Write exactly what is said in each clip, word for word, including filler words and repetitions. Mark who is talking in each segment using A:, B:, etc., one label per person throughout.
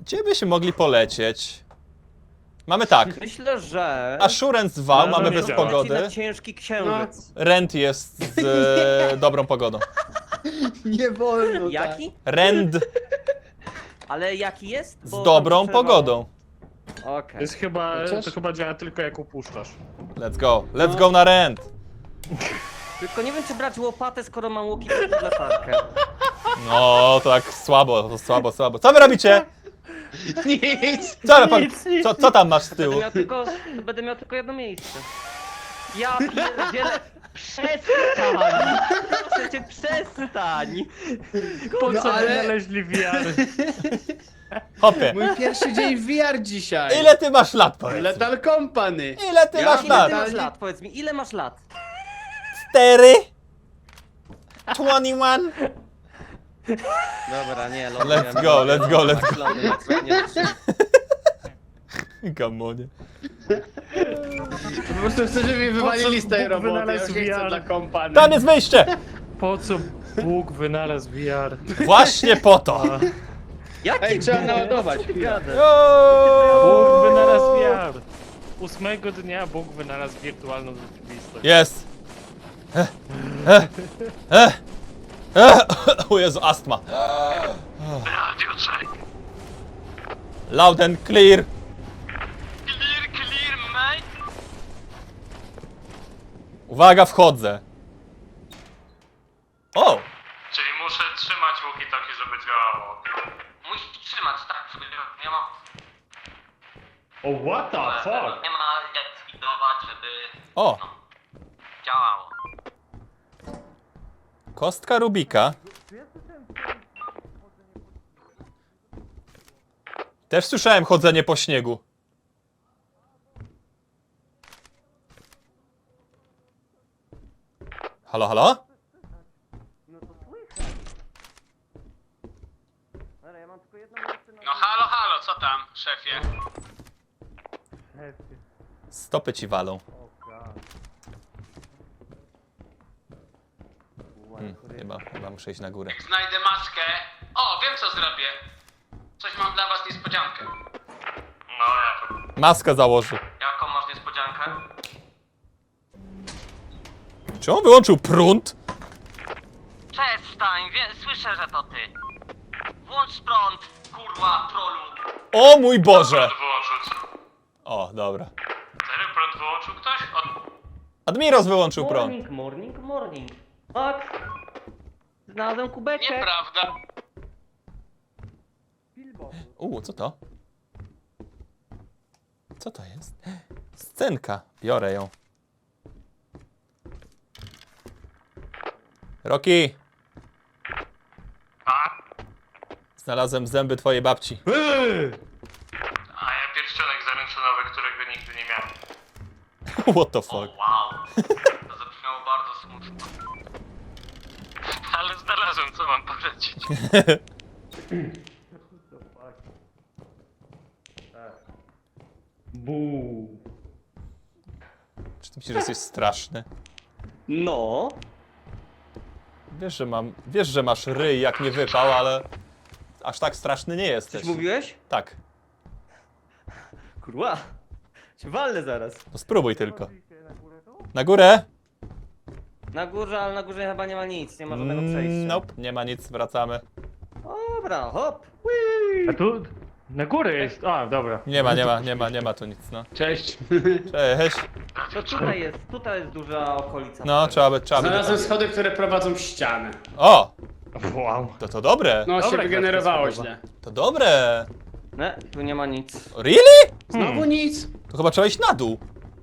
A: Gdzie byśmy mogli polecieć? Mamy tak.
B: Myślę, że...
A: Assurance dwa,
C: No,
A: mamy
C: nie
A: bez
C: działa.
A: pogody.
B: Na ciężki księżyc.
A: Rent jest z e, dobrą pogodą.
D: Nie wolno
B: Jaki?
A: Rent
B: Ale jaki jest?
A: z
B: Bo
A: dobrą
B: tam się
A: pogodą.
B: przerwało. Okej.
C: To jest chyba,
D: Chociaż-
C: to chyba działa tylko jak upuszczasz.
A: Let's go. Let's
D: No.
A: go na rent.
B: Tylko nie wiem, czy brać łopatę, skoro mam łuki pod latarkę.
A: No, to tak słabo, to słabo, słabo. Co wy robicie?
D: tak. Nic!
A: Co, pan, co, co tam masz z
B: Będę
A: tyłu?
B: miał tylko, będę miał tylko jedno miejsce. Ja pierdzielę... Przestań! Proszę cię, przestań!
C: Po
D: No
C: co
D: ale-
C: wynaleźli V R?
A: Hopie.
D: Mój pierwszy dzień w V R dzisiaj.
A: Ile ty masz lat, powiedz mi?
D: Lethal Company.
A: Ile ty
D: Ja
A: masz
B: Ile
A: lat?
B: ty masz lat? Powiedz mi, ile masz lat?
A: Cztery? dwadzieścia jeden?
B: Dobra, nie,
A: Let's go, let's go, let's go.
B: go.
A: Gamonie.
D: Po prostu chcę, żeby mi wywalili z tej
C: Bóg
D: roboty. Ja
C: wynalazł
D: już nie chcę
C: V R.
D: dla Company.
A: Tam jest wyjście!
C: Po co Bóg wynalazł V R?
A: Właśnie po to!
B: Jaki
D: Ej, trzeba
B: Bóg?
D: naładować.
B: Co ty
D: chwilę.
B: gadasz?
C: Bóg wynalazł
A: Yo!
C: V R. Ósmego dnia Bóg wynalazł wirtualną rzeczywistość.
A: Jest! Eh, eh, eh, eh. O Jezu, astma. Loud and clear.
E: Clear, clear, mate!
A: Uwaga, wchodzę. O!
E: Czyli muszę trzymać walkie-talkie, żeby działało. Musisz trzymać, tak, żeby nie ma...
C: O, what the fuck?
E: Nie ma jak zwidować, żeby
A: O!
E: działało.
A: Kostka Rubika. Też słyszałem chodzenie po śniegu. Halo, halo?
B: No to słychać. Dobra, ja mam tylko jedno miejsce na...
E: No halo, halo, co tam, szefie?
A: Stopy ci walą. Hmm, chyba, chyba muszę iść na górę.
E: Znajdę maskę. O, wiem co zrobię. Coś mam dla was niespodziankę. No ja to...
A: Maskę założy.
E: Jaką masz niespodziankę?
A: Czy on wyłączył prąd?
E: Przestań, wie, słyszę, że to ty. Włącz prąd, kurwa, trolu.
A: O mój Boże!
E: wyłączył.
A: O, dobra.
E: Serio prąd wyłączył ktoś? Od...
A: Admiros wyłączył prąd.
B: Morning, morning, morning. Max! Znalazłem kubeczek.
E: Nieprawda.
A: U, co to? Co to jest? Scenka. Biorę ją. Rocky!
E: A?
A: Znalazłem zęby twojej babci.
E: A ja pierścionek zaręczynowy, którego nigdy nie miałem.
A: What the
E: O,
A: fuck?
E: wow. To zabrzmiało bardzo smutno. Ale znalazłem, co mam powiedzieć.
C: Buu.
A: Czy ty myślisz, że jesteś straszny?
B: No.
A: Wiesz, że mam... Wiesz, że masz ryj jak nie wypał, ale... Aż tak straszny nie jesteś.
B: Coś mówiłeś?
A: Tak.
B: Kurwa. Cię walnę zaraz.
A: To spróbuj tylko. Na górę?
B: Na górze, ale na górze chyba nie ma nic, nie ma żadnego
A: Mm,
B: przejścia.
A: nope, nie ma nic, wracamy.
B: Dobra, hop.
C: A tu na górę jest. A, dobra.
A: Nie ma, nie ma, nie ma, nie ma tu nic, no.
C: Cześć.
A: Cześć.
B: To tutaj jest, tutaj jest duża okolica.
A: No, trzeba by, trzeba by...
D: Znalazłem schody, które prowadzą w ścianę.
A: O!
C: Wow.
A: To to dobre.
D: No
C: Dobra,
D: się wygenerowało
C: gra się
D: źle.
A: To dobre.
B: Nie, tu nie ma nic.
A: Really?
D: Znowu nic.
A: To chyba trzeba iść na dół.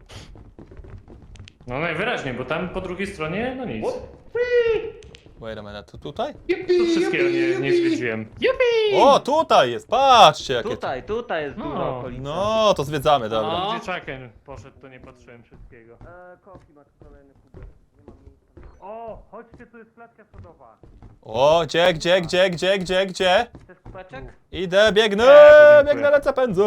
C: No najwyraźniej, bo tam po drugiej stronie, no nic.
A: Wait a minute, to tutaj?
C: Tu wszystkiego nie, nie zwiedziłem.
A: O, tutaj jest, patrzcie jakie to...
B: Tutaj, tutaj jest duża
C: No,
B: okolica.
A: No, to zwiedzamy, dobra.
D: No.
C: Gdzie Chucken poszedł, to nie patrzyłem wszystkiego.
B: E, koki masz kolejny kubek. Nie mam miejsca.
C: O, chodźcie, tu jest klatka schodowa.
A: O, gdzie, gdzie, gdzie, gdzie, gdzie, gdzie?
B: Chcesz kubeczek?
A: Idę, biegnę,
C: Nie, podziękuję.
A: biegnę, lecę, pędzę.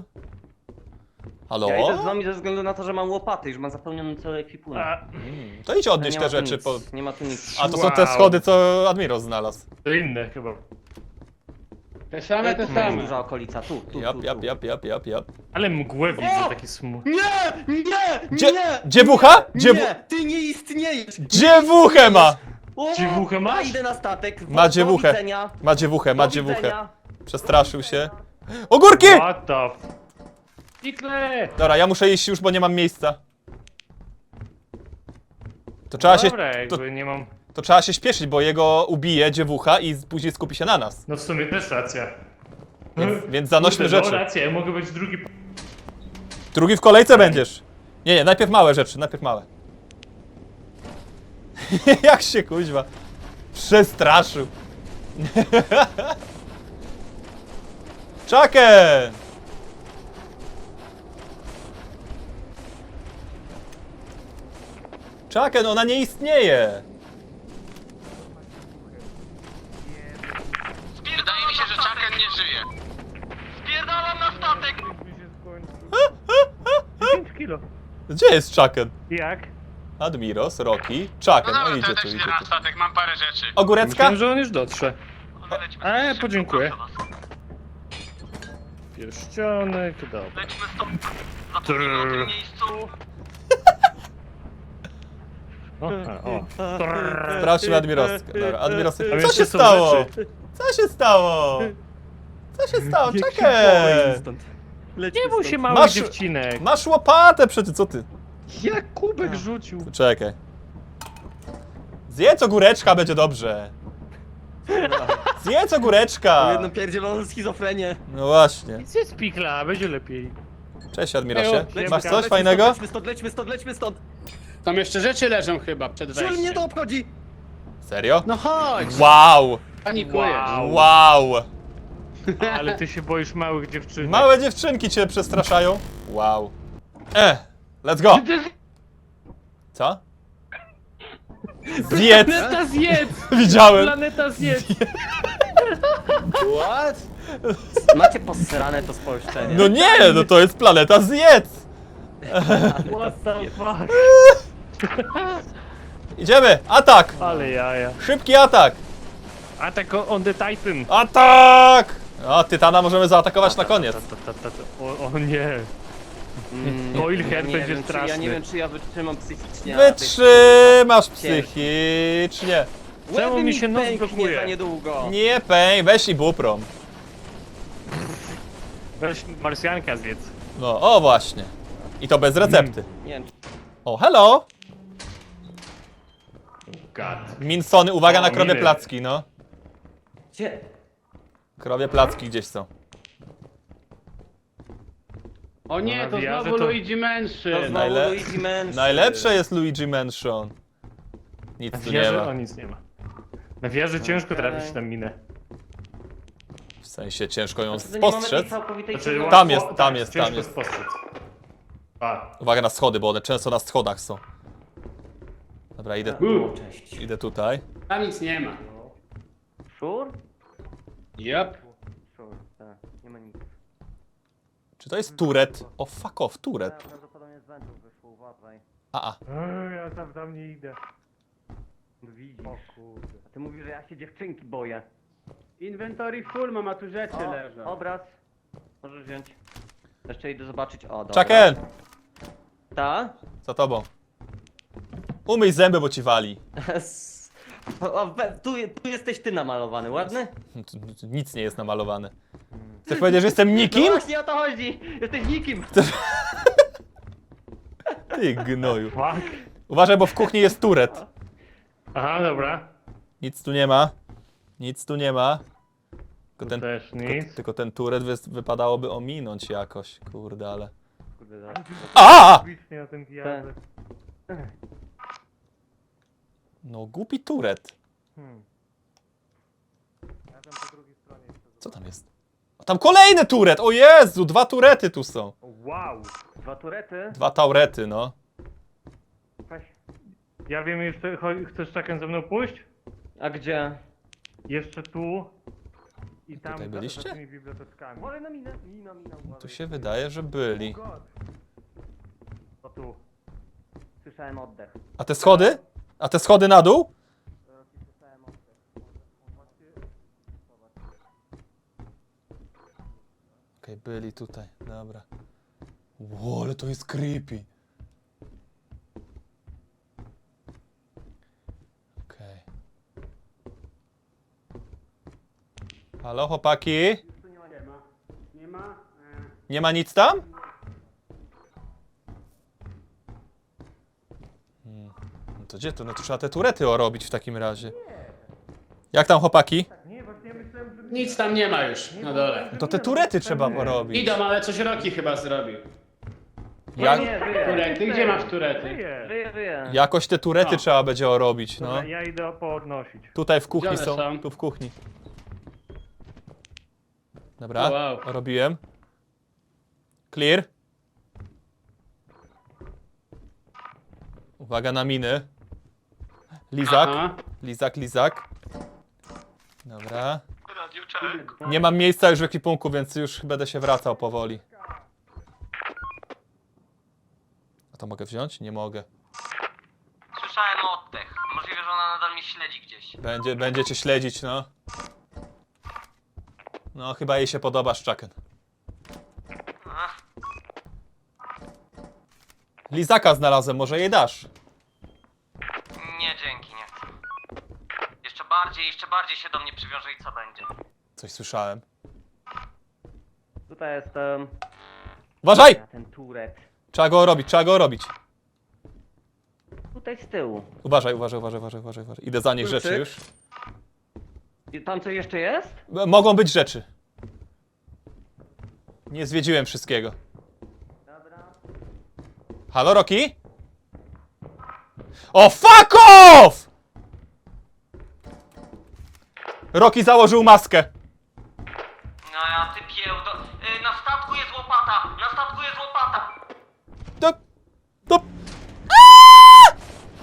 A: Halo?
B: Ja idę z wami ze względu na to, że mam łopaty, już mam zapełniony cały ekwipunek.
C: A,
A: Mm, to idź odnieść
B: nie
A: te
B: ma tu
A: rzeczy.
B: nic,
A: Po...
B: Nie ma tu nic.
A: A to są te
C: Wow.
A: schody, co Admiros znalazł.
C: to inne chyba.
D: Te same, te
B: Tu jest
D: same.
B: duża okolica, tu, tu,
A: Jap,
B: tu,
A: jap,
B: tu.
A: jap, jap, jap, jap.
C: Ale mgłę widzę, taki smutny.
D: Nie! Nie!
A: Dzie
D: Nie!
A: dziewucha? Dziewu
D: Nie! Ty nie istniejesz!
A: dziewuchę ma!
B: O,
C: Dziewuchę masz?
B: ja idę na statek.
A: Ma
B: Do
A: dziewuchę.
B: widzenia.
A: Ma dziewuchę, ma
B: Do
A: dziewuchę.
B: widzenia.
A: Przestraszył się. Ogórki!
C: What the f... Pikle!
A: Dobra, ja muszę iść już, bo nie mam miejsca. To trzeba się,
C: Dobra,
A: to,
C: jakby nie mam...
A: to trzeba się śpieszyć, bo jego ubije dziewucha i później skupi się na nas.
C: No w sumie też racja.
A: Więc, więc zanośmy
C: Kurde, no
A: rzeczy.
C: racja, ja mogę być drugi...
A: Drugi w kolejce będziesz. Nie, nie, najpierw małe rzeczy, najpierw małe. Jak się kuźwa przestraszył. Czakę! Czakę, no ona nie istnieje.
E: Wydaje mi się, że Chucken nie żyje. Spierdalam na statek!
C: pięć kilo.
A: Gdzie jest Czaken?
C: Jak?
A: Admiros, Rocky,
E: No
A: Czaken, no
E: dobra, to
A: idzie
E: ja
A: tu,
E: też
A: idzie
E: idę na
A: tu.
E: statek, mam parę rzeczy.
A: Ogórecka?
C: Myślałem, że on już dotrze.
E: Lećmy
C: E,
E: szybko,
C: podziękuję.
E: proszę was.
C: Pierścionek, dobra.
E: Lećmy stąd. Zapomnijmy o tym miejscu.
C: O, a, o.
A: Sprawdźmy Admiroskę. Dobra, Admiroskę.
C: Tam
A: Co
C: jeszcze
A: się
C: są
A: stało?
C: rzeczy.
A: Co się stało? Co się stało?
B: Niech się
A: Czekaj!
B: boi stąd. Lećmy
C: Nie bój
B: stąd.
C: się, mały
A: Masz-
C: dziewcinek.
A: Masz łopatę przecież, co ty?
C: Jak kubek rzucił.
A: Czekaj. Zjedz ogóreczka, będzie dobrze. Zjedz ogóreczka!
B: Jedną pierdzieloną schizofrenię.
A: No właśnie.
C: Nic jest pikla, będzie lepiej.
A: Cześć Admirosie.
C: Lećmy
A: Masz
C: stąd,
A: coś
B: lećmy
A: fajnego?
B: Stąd, lećmy stąd, lećmy stąd, lećmy stąd.
D: Tam jeszcze rzeczy leżą chyba przed
B: Żul mnie
D: wejściem.
B: to obchodzi.
A: Serio?
D: No chodź!
A: Wow!
D: Panikujesz.
C: Wow.
A: Wow!
C: Ale ty się boisz małych dziewczynek.
A: Małe dziewczynki cię przestraszają? Wow. E, let's go! Co? Zjedz!
C: Planeta zjedz!
A: Widziałem!
C: Planeta zjedz!
B: What? Macie posrane to spolszczenie.
A: No nie, no to jest planeta zjedz!
C: What the fuck?
A: Idziemy! Atak!
C: Ale jaja.
A: Szybki atak!
C: Attack on the Titan.
A: Atak! O, Tytana możemy zaatakować na koniec.
C: Ta, ta, ta, ta. O, o nie.
B: Mm,
C: Oil
B: ja
C: head
B: nie
C: będzie
B: wiem, czy,
C: straszny.
B: Ja nie wiem, czy ja wytrzymam psychicznie. na tej-
A: Wytrzymasz psychicznie.
C: Czemu
B: Łeby
C: mi się nos
B: pęknie
C: blokuje?
B: za niedługo.
A: Nie peń, weź i buprom.
C: Weź marsjanka zjedz.
A: No, o właśnie. I to bez recepty.
B: Nie wiem,
A: O, hello!
C: God.
A: Minsony, uwaga
C: O,
A: na krowie
C: miny.
A: placki, no.
B: gdzie?
A: Krowie placki gdzieś są.
D: O nie, to
C: nawijaże
D: znowu
C: to-
D: Luigi
B: To
D: Mansion.
B: znowu
A: Najle-
B: Luigi Mansion.
A: Najlepsze jest Luigi Mansion. Nic
C: Na
A: tu nie
C: wieży?
A: ma.
C: O, nic nie ma. Na wieży ciężko
B: Okej.
C: trafić na minę.
A: W sensie ciężko ją
B: To nie mamy tej
A: spostrzec.
B: całkowitej
C: Znaczy,
B: ciemności.
A: Tam jest,
C: łatwo-
A: tam
C: tak,
A: jest, tam
C: ciężko
A: jest.
C: spostrzec. A,
A: Uwaga na schody, bo one często na schodach są. Dobra, idę,
B: O, cześć.
A: idę tutaj.
D: Tam nic nie ma.
B: Sure?
D: Yep.
B: Sure, tak. Nie ma nic.
A: Czy to jest turet? O, fuck off, turet.
B: Prawdopodobnie z wędrów wyszło, uważaj.
A: A, a.
C: Ej, ja tam, tam nie idę.
B: No widzisz. A ty mówisz, że ja się dziewczynki boję.
D: Inventory full, mama tu rzeczy
B: O,
D: leżą.
B: obraz. Możesz wziąć. Jeszcze idę zobaczyć. O, dobra.
A: Czaken!
B: Ta?
A: Za tobą. Umyj zęby, bo ci wali.
B: O, we- tu, tu jesteś ty namalowany, ładny?
A: Tu- tu Nic nie jest namalowane. Chcesz powiedzieć, że jestem
B: No
A: nikim?
B: właśnie o to chodzi! Jesteś nikim!
A: Ty gnoju.
C: Fuck.
A: Uważaj, bo w kuchni jest turet.
C: Aha, dobra.
A: Nic tu nie ma. Nic tu nie ma. Tylko
C: Tu
A: ten,
C: też
A: tylko,
C: nic.
A: tylko ten turet wy, wypadałoby ominąć jakoś. Kurde, ale...
B: Kurde, zaraz.
A: A!
C: Publicznie na tym pijadę.
A: No głupi turet.
C: Hmm. Ja tam po drugiej stronie jeszcze
A: Co tam jest? A tam kolejny turet! O Jezu, dwa turety tu są.
C: Wow.
B: Dwa turety?
A: Dwa taurety, no.
B: Weź.
C: Ja wiem jeszcze, cho- chcesz czekać ze mną pójść?
B: A gdzie?
C: Jeszcze tu. I tam
A: Tutaj
C: za-
A: byliście?
C: za tymi biblioteczkami.
B: Wolę na minę. Mina, mina, uważaj.
A: Tu się wydaje, że byli.
C: O tu.
B: Słyszałem oddech.
A: A te schody? A te schody na dół?
B: Słyszałem oddech.
A: Okej, byli tutaj, dobra. Ło, ale to jest creepy. Okej. Halo, chłopaki?
F: Nie ma? E,
A: Nie ma nic tam? Hmm. No to gdzie to? No to trzeba te turety robić w takim razie. Jak tam, chłopaki?
F: nie, właśnie ja myślałem, że...
D: Nic tam nie ma już na dole.
A: No to te turety trzeba porobić.
D: Idą, ale coś Roki chyba zrobił.
A: Jak,
B: Nie, żyje.
D: Turety? Gdzie masz turety?
F: Żyje.
B: Żyje, żyje.
A: jakoś te turety
D: O.
A: trzeba będzie robić, no.
F: Dobra, ja idę podnosić.
A: Tutaj w kuchni
D: Gdzie one
A: są,
D: są?
A: tu w kuchni. Dobra,
D: Wow.
A: robiłem. Clear. Uwaga na miny. Lizak,
D: Aha.
A: lizak, lizak. Dobra.
E: Radioczek.
A: Nie mam miejsca już w ekwipunku, więc już będę się wracał powoli. A to mogę wziąć? Nie mogę.
E: Słyszałem oddech. Możliwe, że ona nadal mnie śledzi gdzieś.
A: Będzie, będziecie śledzić, no. No, chyba jej się podoba Szczaken.
E: Ach,
A: Lizaka znalazłem, może jej dasz?
E: nie, dzięki, nie chcę. Jeszcze bardziej, jeszcze bardziej się do mnie przywiąże i co będzie?
A: Coś słyszałem.
B: Tutaj jestem.
A: Uważaj!
B: Ja ten turet.
A: Trzeba go robić, trzeba go robić.
B: Tutaj z tyłu.
A: Uważaj, uważaj, uważaj, uważaj, uważaj, uważaj. Idę za nich
B: Kluczyk.
A: rzeczy już.
B: I tam coś jeszcze jest?
A: M- Mogą być rzeczy. Nie zwiedziłem wszystkiego.
B: Dobra.
A: Halo, Roki? O, fuck off! Roki założył maskę.
E: No ja ty piełdo. Y, na statku jest łopata! Na statku jest łopata!
A: Do, do... Aaaa!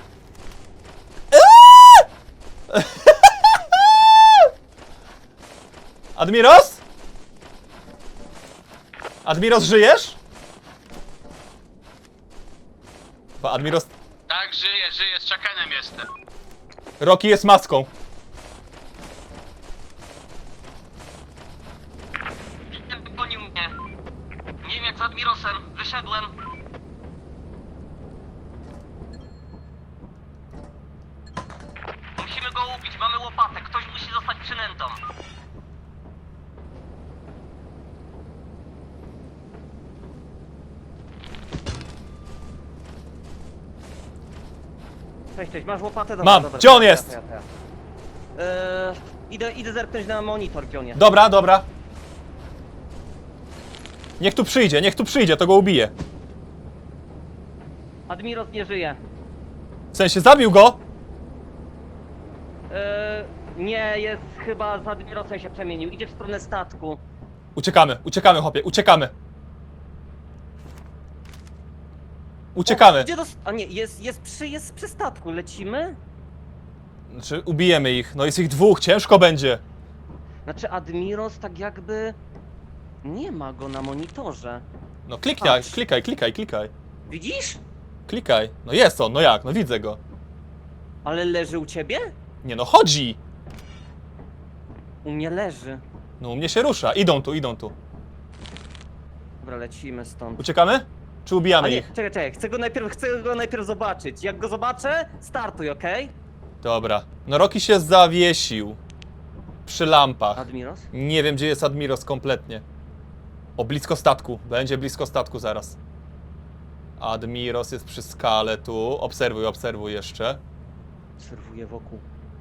A: Aaaa! Admiros? Admiros, żyjesz? Bo Admiros...
E: Tak, żyję, żyję, z Chuckenem jestem.
A: Roki jest maską.
E: Gonił mnie. Nie wiem jak z Admirosem. Wyszedłem. Musimy go ubić, mamy łopatę. Ktoś musi zostać przynętą.
B: Cześć, cześć, masz łopatę? Dobra,
A: Mam.
B: dobra,
A: Gdzie on
B: to ja,
A: jest?
B: to ja, to ja. Eee, idę, idę zerknąć na monitor, gdzie on jest.
A: Dobra, dobra. Niech tu przyjdzie, niech tu przyjdzie, to go ubije.
B: Admiros nie żyje.
A: W sensie, zabił go?
B: Eee, nie, jest chyba z Admirosem się przemienił. Idzie w stronę statku.
A: Uciekamy, uciekamy, chłopie, uciekamy. Uciekamy.
B: O, gdzie dos- A nie, jest, jest, przy, jest przy statku. Lecimy?
A: Znaczy, ubijemy ich. No jest ich dwóch, ciężko będzie.
B: Znaczy Admiros tak jakby... Nie ma go na monitorze.
A: No klikaj,
B: Patrz.
A: klikaj, klikaj, klikaj.
B: Widzisz?
A: Klikaj. No jest on, no jak, no widzę go.
B: Ale leży u ciebie?
A: Nie no, chodzi.
B: U mnie leży.
A: No u mnie się rusza. Idą tu, idą tu.
B: Dobra, lecimy stąd.
A: Uciekamy? Czy ubijamy
B: A nie,
A: ich?
B: czekaj, czekaj, chcę go najpierw, chcę go najpierw zobaczyć. Jak go zobaczę, startuj, okej?
A: Dobra. No Roki się zawiesił. Przy lampach.
B: Admiros?
A: Nie wiem, gdzie jest Admiros kompletnie. O, blisko statku. Będzie blisko statku zaraz. Admiros jest przy skale tu. Obserwuj, obserwuj jeszcze.
B: Obserwuję wokół.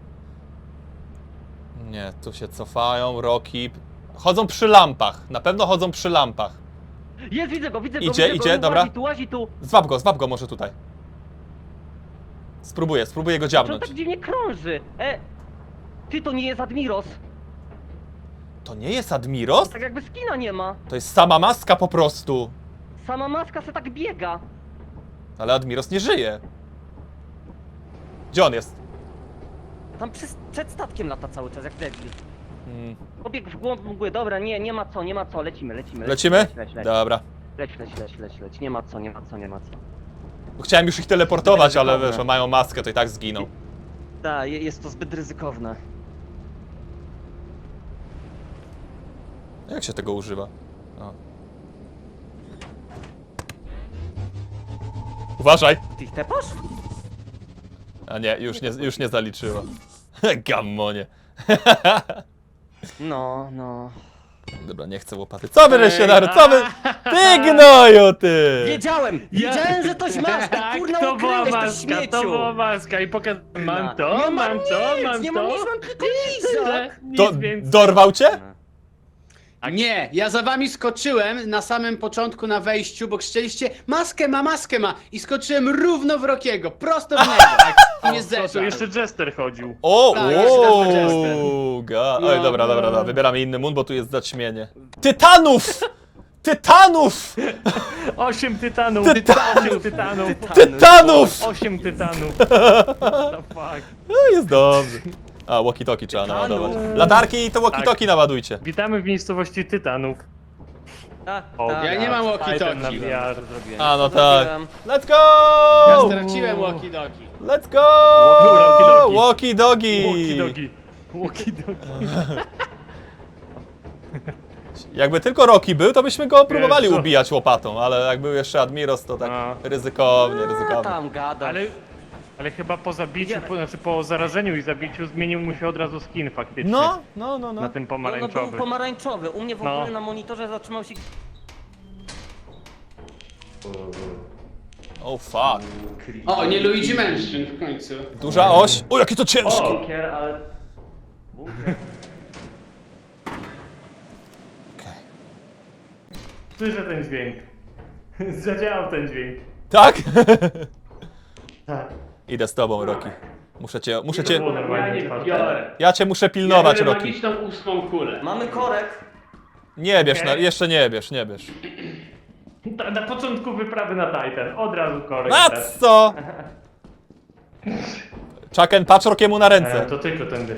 A: Nie, tu się cofają, Roki. Chodzą przy lampach. Na pewno chodzą przy lampach.
B: Jest, widzę go, widzę go,
A: Idzie,
B: widzę
A: idzie,
B: go,
A: dobra.
B: Łazi tu, łazi tu.
A: Zwab go, zwab go może tutaj. Spróbuję, spróbuję go
B: Czy on
A: dziabnąć.
B: tak dziwnie krąży? E, ty, to nie jest Admiros.
A: To nie jest Admiros?
B: Tak jakby skina nie ma.
A: To jest sama maska po prostu.
B: Sama maska se tak biega.
A: Ale Admiros nie żyje. Gdzie on jest?
B: Tam przy, przed statkiem lata cały czas, jak debil.
A: Hmm.
B: Pobiegł w głąb mgły, dobra, nie, nie ma co, nie ma co, lecimy, lecimy.
A: Lecimy?
B: Leć, leć, leć,
A: Dobra.
B: leć, leć, leć, leć, leć, nie ma co, nie ma co, nie ma co.
A: Bo chciałem już ich teleportować, ale
B: Ryzykowne.
A: wiesz, że mają maskę, to i tak zginą.
B: Tak, je- jest to zbyt ryzykowne.
A: Jak się tego używa? O. Uważaj!
B: Ty ich tepasz?
A: A nie, już nie, już nie zaliczyło. Gammonie.
B: No, no.
A: Dobra, nie chcę łopaty. Co wy, Lesionaru, co wy? Ty gnoju, ty!
B: Wiedziałem! Wiedziałem, że toś masz! Tak, kurna,
C: to była
B: ukryłeś to
C: maska,
B: śmieciu!
C: to była maska i pokazałem, mam
B: Na-
C: to,
B: nie
C: mam
B: mam
C: to,
B: nic,
C: mam
B: nie mam
C: to.
B: nic, mam tylko lizak!
C: Nic
A: To
C: więcej.
A: dorwał cię?
D: Nie, ja za wami skoczyłem na samym początku na wejściu, bo krzyczeliście maskę ma, maskę ma i skoczyłem równo w Rokiego, prosto w niego. Tak, nie
C: To
D: zeszedł.
C: jeszcze Jester chodził.
A: O,
D: Tak, jeszcze raz
A: o,
D: Manchester.
A: ga.
D: No.
A: Oj, dobra, dobra, dobra, wybieramy inny mun, bo tu jest zaćmienie. Tytanów! Tytanów!
C: Osiem tytanów! Osiem tytanów!
A: Tytanów!
C: Osiem tytanów! What the fuck?
A: No, jest dobrze. A, walkie-talkie trzeba naładować. Latarki to walkie-talkie naładujcie.
C: Witamy w miejscowości tytanów.
B: Tak,
C: O,
B: tak.
D: Ja nie mam
C: Titan na
D: walkie-talkie.
C: V R.
B: Zrobiłem.
A: A, no
B: Co
A: tak.
B: zrobiłem?
A: Let's go!
D: Ja straciłem walkie-talkie.
A: Let's go!
C: Walkie-talkie.
A: Walkie-dogi!
C: Walkie-dogi. Walkie-dogi.
A: Jakby tylko Rocky był, to byśmy go próbowali
C: Jezu.
A: ubijać łopatą, ale jak był jeszcze Admiros, to tak
C: A.
A: ryzykownie,
B: A,
A: ryzykownie.
B: tam gada.
C: Ale, ale chyba po zabiciu, po, znaczy po zarażeniu i zabiciu zmienił mu się od razu skin faktycznie.
A: No, no, no, no.
C: Na tym
B: No, no
C: pomarańczowy.
B: był pomarańczowy. U mnie w
C: No.
B: ogóle na monitorze zatrzymał się...
A: Oh fuck.
D: O, nie Luigi Mansion w końcu.
A: Duża oś. O, jakie to ciężkie!
B: Bunkier, ale...
A: Okej.
C: Słyszę ten dźwięk. Zadziałał ten dźwięk.
A: Tak?
C: Tak.
A: Idę z tobą, Rocky. Muszę cię, muszę
C: To
A: cię...
C: było normalnie otwarte.
A: Ja cię muszę pilnować, Rocky.
D: magiczną ósmą kulę.
B: Mamy korek.
A: Nie bierz, na,
C: Okej.
A: jeszcze nie bierz, nie bierz.
C: Na, na początku wyprawy na Titan, od razu korek.
A: Na co? Chucken, patrz Rokiemu na
C: E,
A: ręce.
C: to tylko tędy.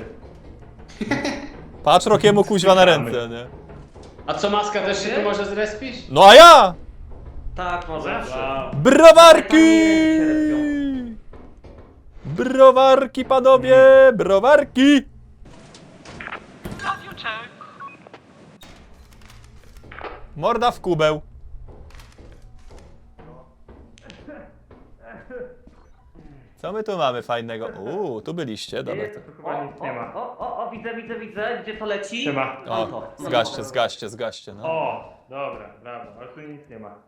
A: Patrz Rokiemu kuźwa na ręce, nie?
D: A co, maska też się tu może zrespić?
A: No a ja!
B: Tak, może.
C: Wow.
A: Browarki! Browarki, panowie! Browarki! Morda w kubeł. Co my tu mamy fajnego? Uuu, tu byliście, dobra. To...
C: Tu chyba nic nie ma.
B: O, o, o, widzę, widzę, widzę. Gdzie to leci?
C: Siema.
B: Mam
A: O,
B: to. Mam
A: zgaście,
B: to.
A: zgaście, zgaście, no.
C: O, dobra, brawo, ale tu nic nie ma.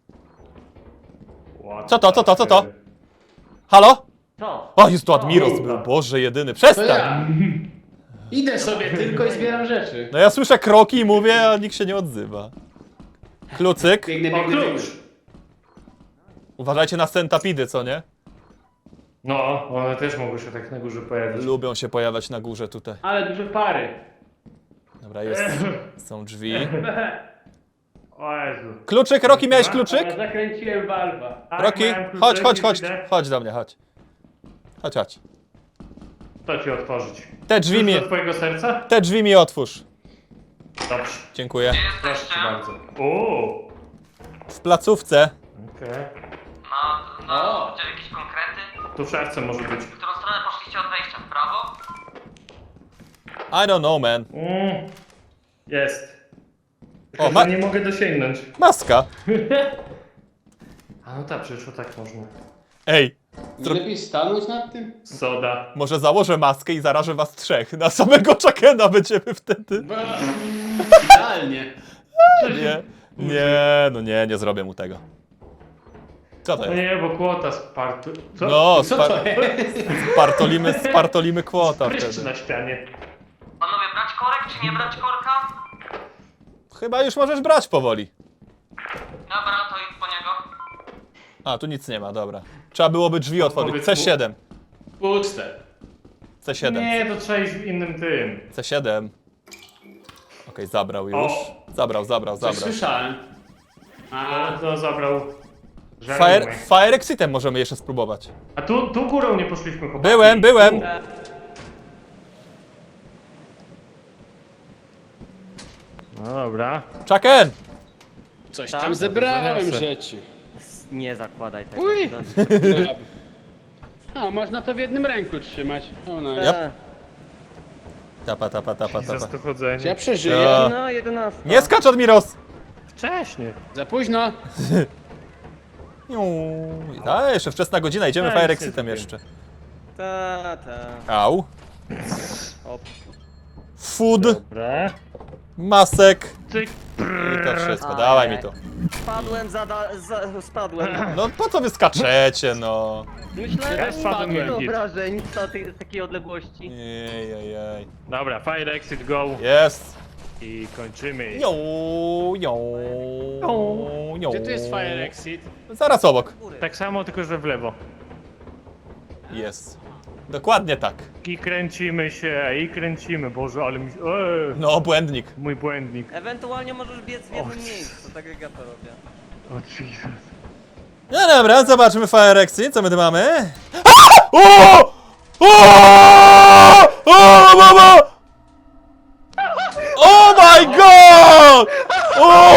C: What
A: Co to, co to, co to?
C: the-
A: Halo?
B: To.
A: O, jest tu Admiros był, Boże jedyny,
D: To
A: przestań!
D: ja. Idę sobie tylko i zbieram rzeczy.
A: No ja słyszę kroki i mówię, a nikt się nie odzywa. Klucyk.
D: Biegnę,
C: O,
D: biegnę, biegnę.
C: klucz!
A: Uważajcie na centapidy, co nie?
C: No, one też mogły się tak na górze pojawić.
A: Lubią się pojawiać na górze tutaj.
D: Ale duże pary.
A: Dobra, jest. Są drzwi.
C: O Jezu.
A: Kluczyk, Roki, miałeś kluczyk?
D: Ja zakręciłem walwa.
C: Tak,
A: Roki,
C: miałem kluczyk,
A: chodź, chodź, chodź.
C: widzę.
A: Chodź do mnie, chodź. Chodź, chodź.
C: To ci otworzyć.
A: Te drzwi mi,
C: Do twojego serca?
A: te drzwi mi otwórz.
C: Dobrze.
A: Dziękuję.
C: Proszę cię bardzo. Uuu.
A: W placówce.
C: Okej.
E: No, no, gdzie jakieś konkrety?
C: Tu w szafce może być.
E: W którą stronę poszliście od wejścia? W prawo?
A: I don't know, man.
C: Mm. Jest.
A: O,
C: O,
A: ma-
C: nie mogę dosięgnąć.
A: Maska.
C: A no tak, przecież to tak można.
A: Ej,
D: Nie lepiej stanąć nad tym?
C: Soda.
A: może założę maskę i zarażę was trzech. Na samego Chuckena będziemy wtedy.
D: Idealnie.
A: Nie, nie, no nie, nie zrobię mu tego. Co to
C: No
A: jest?
C: nie, bo kłota spartu... Co?
A: No,
D: Co
A: spar
D: to jest?
A: spartolimy, spartolimy kłota
C: Pryszcz
A: wtedy.
C: na ścianie.
E: Panowie, brać korek czy nie brać korka?
A: Chyba już możesz brać powoli.
E: Dobra, to idź po niego.
A: A, tu nic nie ma, dobra. Trzeba byłoby drzwi otworzyć.
C: powiedz
A: C
C: mu-
A: siedem.
D: Puste.
A: C siedem.
C: Nie, to trzeba iść w innym tym.
A: C siedem. Okej, zabrał już.
C: O.
A: Zabrał, zabrał,
D: Coś
A: zabrał.
D: słyszałem.
C: A
D: A,
C: to zabrał...
A: Fire,
C: Żarówkę.
A: fire Exitem możemy jeszcze spróbować.
C: A tu, tu górą nie poszliśmy chłopaki.
A: Byłem, byłem.
C: No dobra.
A: Chucken!
D: coś
B: Tam
D: tam zebrałem
C: zaniosę.
D: rzeczy.
B: Nie zakładaj tego.
D: Uj.
B: No,
D: A, można to w jednym ręku trzymać. O, no.
A: Yep.
B: e,
A: Tapa, tapa, tapa,
C: Za
A: tapa.
C: to chodzenie.
D: Ja przeżyję.
A: Ja.
B: No, jedenasta.
A: Nie skacz, Admiros!
C: Wcześnie.
D: Za późno.
A: A, jeszcze wczesna godzina, idziemy
C: Ja
A: Fire
C: nic nie
A: Exitem
C: zrobiłem.
A: jeszcze.
B: Ta, ta.
A: Au.
B: Op.
A: Food,
C: Dobra.
A: masek
C: Cyk.
A: i to wszystko.
B: A,
A: Dawaj
B: nie.
A: mi to.
B: Spadłem, zada, za, spadłem.
A: No po co wy skaczecie, no?
B: Myślałem,
C: Ja
B: że
C: spadłem
B: nie
C: jak
B: mam
C: git.
B: wyobrażeń z tej- z takiej odległości.
A: Ejejej.
C: Dobra, fire exit go.
A: Jest.
C: I kończymy.
A: Jo, jo, jo.
D: Gdzie tu jest fire exit?
A: Zaraz obok.
C: Tak samo, tylko że w lewo.
A: Jest. Dokładnie tak.
C: I kręcimy się, i kręcimy. Boże, ale mi... Eee,
A: No, błędnik.
C: mój błędnik.
B: Ewentualnie możesz biec w jednym
C: Och.
B: miejscu, tak jak ja to robię.
C: O Jesus.
A: No dobra, zobaczmy Fire Exit, co my tu mamy. A! O! O! O, mama! Oh my god! O!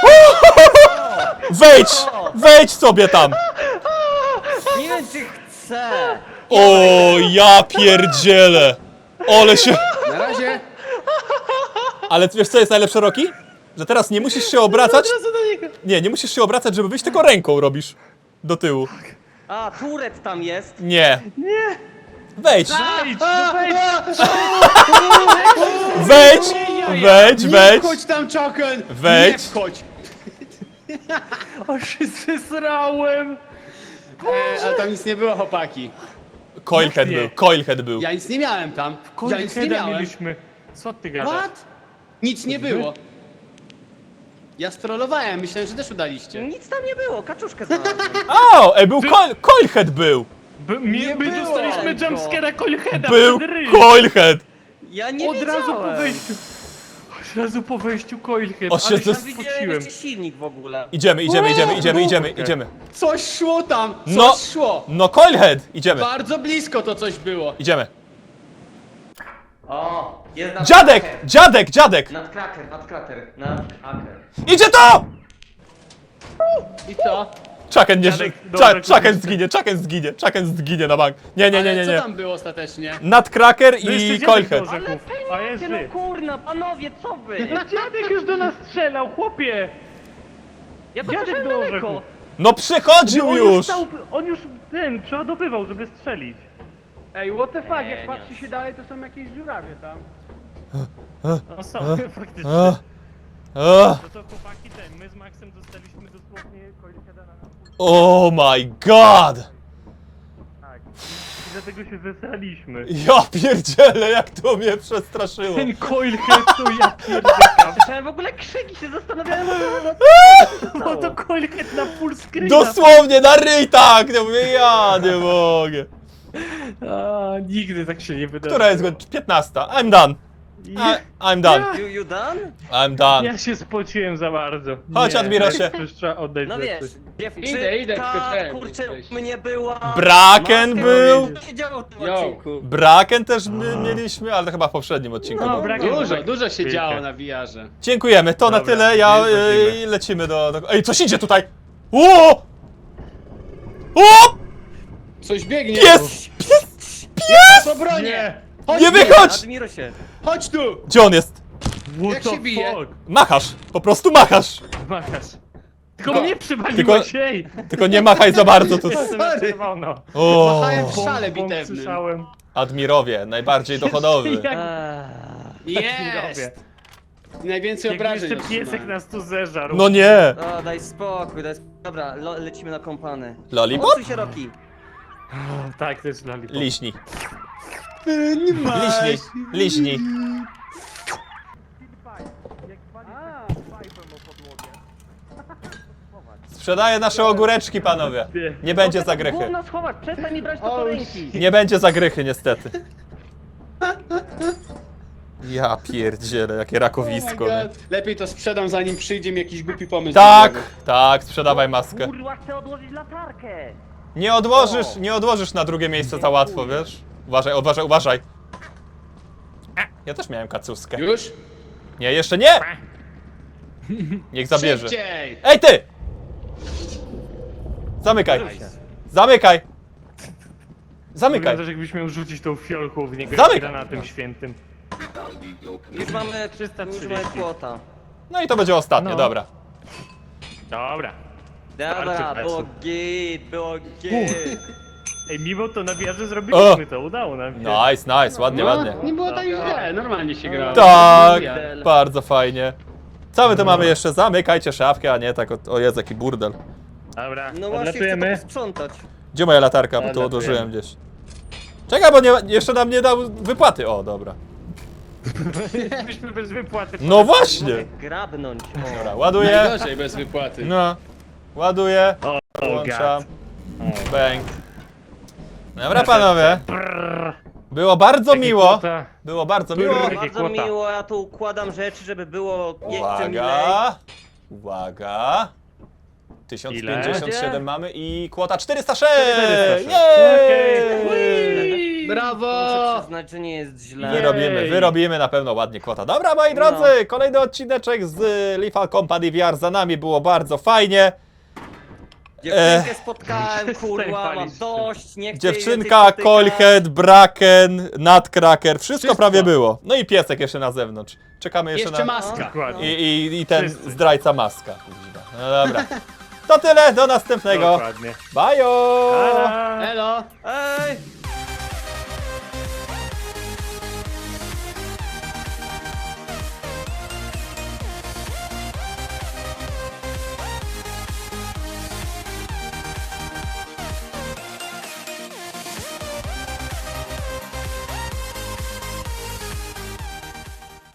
A: Wejdź! Wejdź sobie tam!
B: Nie wiem czy chcę!
A: O, ja pierdzielę! Ole się...
D: Na razie.
A: Ale wiesz co jest najlepsze, Roki? Że teraz nie musisz się obracać. Nie, nie musisz się obracać, żeby wyjść, tylko ręką robisz. Do tyłu.
B: A, turet tam jest!
A: Nie. Nie. Wejdź.
C: Wejdź, no wejdź!
A: Wejdź. Wejdź,
D: Nie
A: wejdź.
D: wchodź tam, Czoken!
A: Wejdź.
D: Nie wchodź!
C: O, się zesrałem!
D: E, ale tam nic nie było, chłopaki.
A: Coilhead
C: Nie.
A: był, Coilhead był.
D: Ja nic nie miałem tam. Ja nic nie
C: Coilheada
D: miałem.
C: mieliśmy. Co ty gadasz?
D: What? Nic nie było. Ja strollowałem, myślałem, że też udaliście.
B: Nic tam nie było, kaczuszkę znalazłem.
A: O, ej, był Coil, Coilhead był.
C: By, my my
D: było
C: dostaliśmy
B: tego.
C: jumpscare'a Coilheada
A: Był
C: przed ryj.
A: Coilhead.
B: Ja nie
C: Od
B: wiedziałem.
C: razu po wejściu. Od razu po wejściu Coilhead.
A: O, się
C: Ale
A: to-
B: Tam widziałem
C: spociłem.
B: jeszcze silnik w ogóle.
A: Idziemy, idziemy, idziemy, idziemy, idziemy, idziemy.
D: Coś szło tam! Coś
A: No.
D: szło!
A: No Coilhead, idziemy,
D: Bardzo blisko to coś było.
A: idziemy.
B: O, jest nad
A: Dziadek,
B: kraker.
A: dziadek, dziadek.
B: Nadkraker, nadkraker, nadkraker.
A: Idzie to!
D: I co?
A: Chucken nie
C: Dziadek,
A: ży-
C: dobra,
A: Chuck- Chucken
C: kupisz.
A: zginie, Chucken zginie, Chucken zginie na bank. Nie, nie, nie,
D: Ale
A: nie,
D: co
A: nie.
D: tam było ostatecznie?
A: Nutcracker
C: No jeszcze
A: i
C: dziadek
A: Coilhead.
C: do rzeków. A jest
B: No
C: wy.
B: kurna, panowie, co wy?
C: Dziadek już do nas strzelał, chłopie!
B: Ja to
C: dziadek
B: poszedłem
C: do
B: daleko.
C: orzechu.
A: No przychodził
C: On
A: już!
C: stał, on już ten, przeładowywał, żeby strzelić.
F: Ej, what the fuck,
B: Nie,
F: jak
B: nie.
F: patrzy się dalej, to są jakieś dziurawie tam.
C: No są, faktycznie.
A: Ach, ach.
C: No to chłopaki ten, my z Maxem dostaliśmy dosłownie Coilheada na nas.
A: Oh my god!
C: Tak. I dlatego się zesraliśmy.
A: Ja pierdzielę, jak to mnie przestraszyło.
C: Ten Coilhead to ja pierdykam.
B: Słyszałem w ogóle krzyki, się zastanawiałem,
C: No to Coilhead na full screen.
A: Dosłownie na ryj tak! Ja mówię, ja nie mogę.
C: A, nigdy tak się nie wydarzy.
A: Która jest godzina? piętnasta. I'm done. I, I'm done.
B: You, you done?
A: I'm done.
C: Ja się spociłem za bardzo.
A: Chodź,
C: Nie,
A: Admirosie.
C: Już trzeba oddać
B: No
C: rzeczy.
B: wiesz, dziewczynka,
D: Idę, idę, tylko ten,
B: kurczę,
D: jesteś.
B: mnie była...
A: Braken
B: Maska,
A: był.
B: Co się działo w tym
D: Yo.
B: odcinku?
A: Braken też my mieliśmy, ale to chyba w poprzednim odcinku.
C: No,
A: było.
C: Braken
D: Dużo,
C: tak
D: dużo się
C: chwilkę.
D: działo na V R-ze.
A: Dziękujemy, to na
C: Dobra,
A: tyle. Ja
C: nie wchodzimy.
A: y, lecimy do, do. Ej, coś idzie tutaj! O! O!
D: Coś biegnie.
A: Pies!
D: Co bronię!
C: Nie!
D: Chodź
A: Nie
D: tu!
A: wychodź!
B: Admirosie.
D: Chodź tu!
A: Gdzie on jest?
C: What
D: Jak
C: the
D: się bije?
C: fuck?
A: Machasz! Po prostu machasz!
C: Machasz. Tylko
D: Tylko-
C: mnie przywaliłeś, ej!
A: Tylko nie machaj za bardzo tu.
C: Jestem
D: Sorry.
C: na czerwono.
A: O!
D: Machałem w szale
C: Bąk
D: bitewnym.
C: słyszałem.
A: Admirowie, najbardziej dochodowy.
C: Jak,
B: Eee.
D: Jest! Najwięcej
C: jak
D: obrażeń
C: jeszcze piesek
D: otrzymałem.
C: nas tu zeżarł.
A: No nie!
B: O, daj spokój, daj spokój. Dobra, lo, lecimy na kompany.
A: Lollipop?
B: Odsuń się, Roki.
C: O, tak, to jest lollipop.
A: Liśni.
D: Nie ma.
A: Liśni. Liśni. Sprzedaję nasze ogóreczki, panowie. Nie będzie zagrychy.
B: Gówno schować, przestań mi brać to do
D: O,
B: ręki.
A: Nie będzie zagrychy, niestety. Ja pierdzielę, jakie
D: Oh my
A: rakowisko. nie?
D: God. Lepiej to sprzedam, zanim przyjdzie mi jakiś głupi pomysł.
A: Tak,
D: do głowy.
A: tak, sprzedawaj maskę.
B: Kurwa, chcę odłożyć latarkę.
A: Nie odłożysz, nie odłożysz na drugie miejsce za łatwo, wiesz? Uważaj, uważaj, uważaj. Ja też miałem kacuskę.
D: Już?
A: Nie, jeszcze nie! Niech zabierze.
D: Szybciej!
A: Ej ty! Zamykaj. Zamykaj. Zamykaj.
C: Wygląda, jakbyś miał rzucić tą fiolką w niego
A: Zamykaj.
C: granatem świętym.
B: Już mamy,
C: trzysta
B: już
C: trzydzieści.
B: mamy płota.
A: No i to będzie ostatnie,
C: No.
A: dobra.
C: Dobra.
B: Dobra,
C: Starczy
B: było
C: czasu.
B: git, było git.
C: Ej, mimo to na wieży zrobiliśmy to, udało nam się.
A: Nice, nice, ładnie,
D: No,
A: ładnie.
D: nie było tak źle, normalnie się grało.
A: Tak,
D: Ja-
A: bardzo fajnie. Co my tu mamy jeszcze? Zamykajcie szafkę, a nie tak, o, o Jezu, jaki burdel.
C: Dobra,
B: No właśnie chcę
C: odlatujemy.
B: to posprzątać.
A: Gdzie moja latarka? Bo tu
C: Odlatujemy.
A: odłożyłem gdzieś. Czekaj, bo nie, jeszcze nam nie dał wypłaty. O, dobra.
C: Byliśmy bez wypłaty.
A: No właśnie!
B: Mogę grabnąć. O.
A: Dobra, ładuję.
D: Najgorzej bez wypłaty.
A: No. Ładuję.
C: O, o
A: Włączam.
C: gad.
A: Bang. Dobra, panowie.
C: Brrr.
A: Było bardzo
C: Taki
A: miło.
C: kłota.
A: Było bardzo
C: Brrr.
A: miło.
C: Takie
B: Bardzo
C: kłota.
B: miło, ja tu układam rzeczy, żeby było jeszcze milej.
A: Uwaga. Uwaga. tysiąc pięćdziesiąt siedem
B: Ile?
A: mamy i kwota czterysta sześć!
C: czterysta sześć.
A: Jej!
D: Brawo!
B: Muszę przyznać, że nie jest źle.
A: Wyrobimy,
C: Jej.
A: wyrobimy na pewno ładnie kwota. Dobra, moi
B: No.
A: drodzy, kolejny odcineczek z Lethal Company V R za nami, było bardzo fajnie.
B: Dziewczynkę spotkałem,
C: Przestań
B: kurwa, mam
C: palić.
B: dość, nie chcę jej
A: Dziewczynka,
B: więcej spotykać.
A: Coilhead, Braken, Nutcracker, wszystko,
D: Wszystko.
A: prawie było. No i piesek jeszcze na zewnątrz. Czekamy jeszcze,
D: Jeszcze
A: na...
D: maska.
C: Dokładnie.
A: I, i, I ten
C: Wszyscy.
A: zdrajca maska. No dobra. To tyle, do następnego.
C: Dokładnie.
A: Bajo!
C: Tada!
D: Elo!